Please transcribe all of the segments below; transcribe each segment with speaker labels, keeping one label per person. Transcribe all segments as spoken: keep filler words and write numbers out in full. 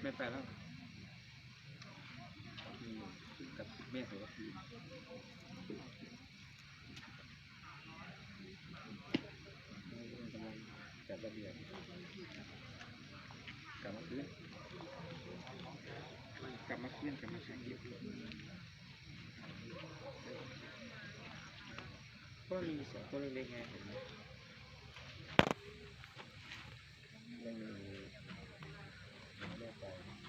Speaker 1: ไม่ไปแล้วกับแม่โสระพีกำลังจัดระเบียบกลับมาคืนกลับมาคืนกลับมาใช้ยิบก็มีสองตัวเล็กๆไงเห็นไหมไม่มีแม่ไป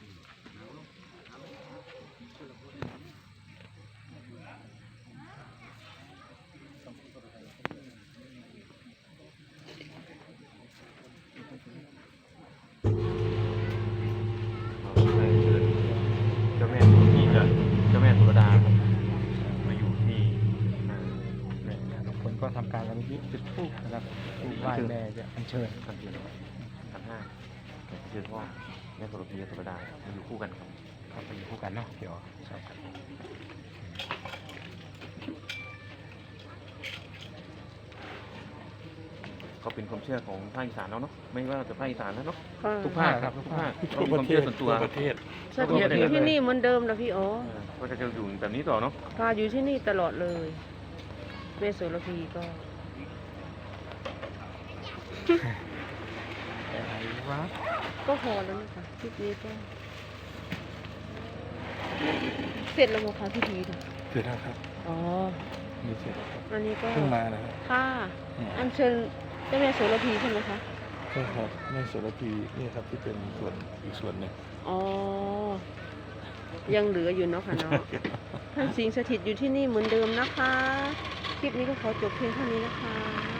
Speaker 2: เจ้าแม่ที่จะเจ้าแม่สุรดาครับมาอยู่ที่
Speaker 3: ทุกคนก็ทำการระลึกจุดธูปนะครับธูปไหว้แม่จะอัญเชิญ
Speaker 2: สันติขันห้าเชื่อว่าแม่สุรพีสุรดามาอยู่คู่กันครับ
Speaker 3: เขาไปอยู่คู่กันเนาะเดี๋ยวใช่ครับ
Speaker 2: ก็เป็นความเชื่อของภาคอีสานแล้วเนาะไม่ว่าจะภาคอีสานแล้วเนาะ
Speaker 4: ค่ะ
Speaker 2: ทุกภาคครับทุกภาคเรามีความเชื่อส่วนตัว
Speaker 3: ประเทศ
Speaker 4: สถิตอยู่ที่นี่เหมือนเดิมนะพี่อ๋อ
Speaker 2: ก็จะอยู่แบบนี้ต่อเนาะ
Speaker 4: พาอยู่ที่นี่ตลอดเลยแม่โสระพีก็
Speaker 3: อะไรวะ
Speaker 4: ก็พอแล้วนะคะคลิปนี้ก็เสร็จแล้วมั้งคะพี่พีดู
Speaker 3: เสร็จแล้วครับ
Speaker 4: อ๋อ
Speaker 3: มีเสร็จแล้วครับ
Speaker 4: อันนี้ก็
Speaker 3: เพิ่งมานะครับ
Speaker 4: ค่ะอัญเชิญเจ้าแม่โสระพีใช่ไหมคะ
Speaker 3: ใช่ครับแม่โสระพีนี่ครับที่เป็นส่วนอีกส่วนหนึ่ง
Speaker 4: อ๋อยังเหลืออยู่เนาะค่ะเนาะ ท่านสิงสถิตอยู่ที่นี่เหมือนเดิมนะคะ คลิปนี้ก็ขอจบเพียงเท่านี้นะคะ